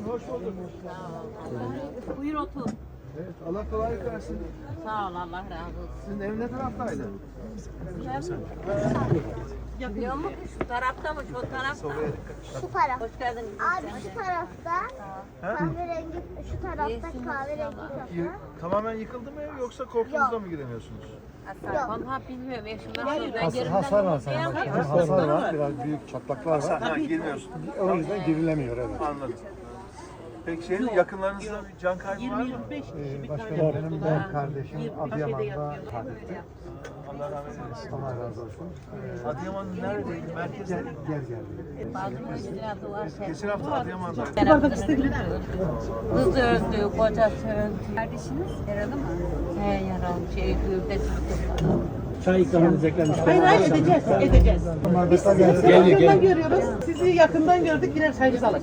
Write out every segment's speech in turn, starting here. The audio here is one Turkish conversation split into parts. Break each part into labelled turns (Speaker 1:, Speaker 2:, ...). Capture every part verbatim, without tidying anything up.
Speaker 1: hoş bulduk.
Speaker 2: Buyur otur.
Speaker 1: Evet, Allah kolaylık versin.
Speaker 2: Sağ ol, Allah razı olsun.
Speaker 1: Sizin ev ne taraftaydı?
Speaker 2: Biliyor musun ki şu tarafta mı, şu tarafta?
Speaker 3: Şu taraf.
Speaker 2: Hoş geldin.
Speaker 3: Abi şu tarafta kahverengi, şu tarafta kahverengi kapı.
Speaker 1: Y- tamamen yıkıldı mı ev yoksa korktuğunuzda mı giremiyorsunuz?
Speaker 2: Vallahi bilmiyorum. Eşimden sonra ben
Speaker 4: Has,
Speaker 2: yerimden
Speaker 4: hasar var
Speaker 2: kımıldayamıyorum.
Speaker 4: sanırım. Hasar var, biraz büyük çatlaklar var.
Speaker 1: Ha, girmiyorsun.
Speaker 4: O yüzden girilemiyor, evet.
Speaker 1: Anladım. Peki şeyin yakınlarınızda bir can kaybı var mı?
Speaker 4: Ee, başkanım benim ben kardeşim Adıyaman'da kaybetti.
Speaker 1: Allah rahmet eylesin.
Speaker 4: Allah razı olsun.
Speaker 1: Adıyaman neredeydi? Merkezde.
Speaker 4: Gel, gel geldi.
Speaker 2: Bazı biraz var.
Speaker 1: Geçen hafta Adıyaman'daydı.
Speaker 2: Kızı öldü, kocası öldü. Kardeşiniz yaralı mı? He yaralı. Şey, gövde tuttu.
Speaker 5: Çay ikram edeceklermiş.
Speaker 6: Hayır hayır edeceğiz, edeceğiz. Biz sizi yakından görüyoruz, sizi yakından gördük, birer çayınızı alalım.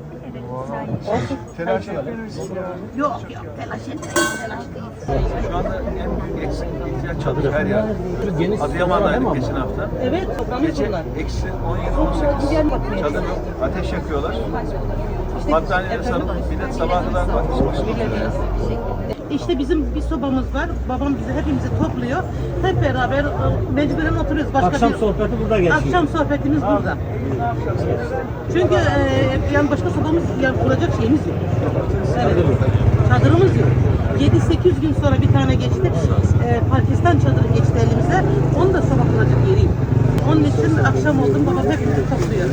Speaker 1: Telaş etmeyin ya.
Speaker 6: Yok yok, telaş etmeyin, telaş değil.
Speaker 1: Şu anda en büyük eksik ihtiyaç çadır her yer. Adıyaman'daydık geçen hafta.
Speaker 6: Evet, toplamış
Speaker 1: Gece
Speaker 6: bunlar.
Speaker 1: eksi on yedi on sekiz. Çadır yok. Ateş yakıyorlar. Battaniyeleri sarıp millet sabah kadar ateş başlıyor.
Speaker 6: İşte bizim bir sobamız var, babam bizi hepimizi topluyor. Hep beraber e, mecburen oturuyoruz. Başka
Speaker 5: Akşam
Speaker 6: bir...
Speaker 5: sohbeti burada geçiyor.
Speaker 6: Akşam sohbetimiz burada. Çünkü e, yani başka sobamız, yani kuracak şeyimiz yok. Evet. Çadırımız yok. yedi sekiz gün sonra bir tane geçti. E, Pakistan çadırı geçti elimize. Onu da soba kuracak yeri yok. Onun için akşam oldum, babam hepimizi topluyor.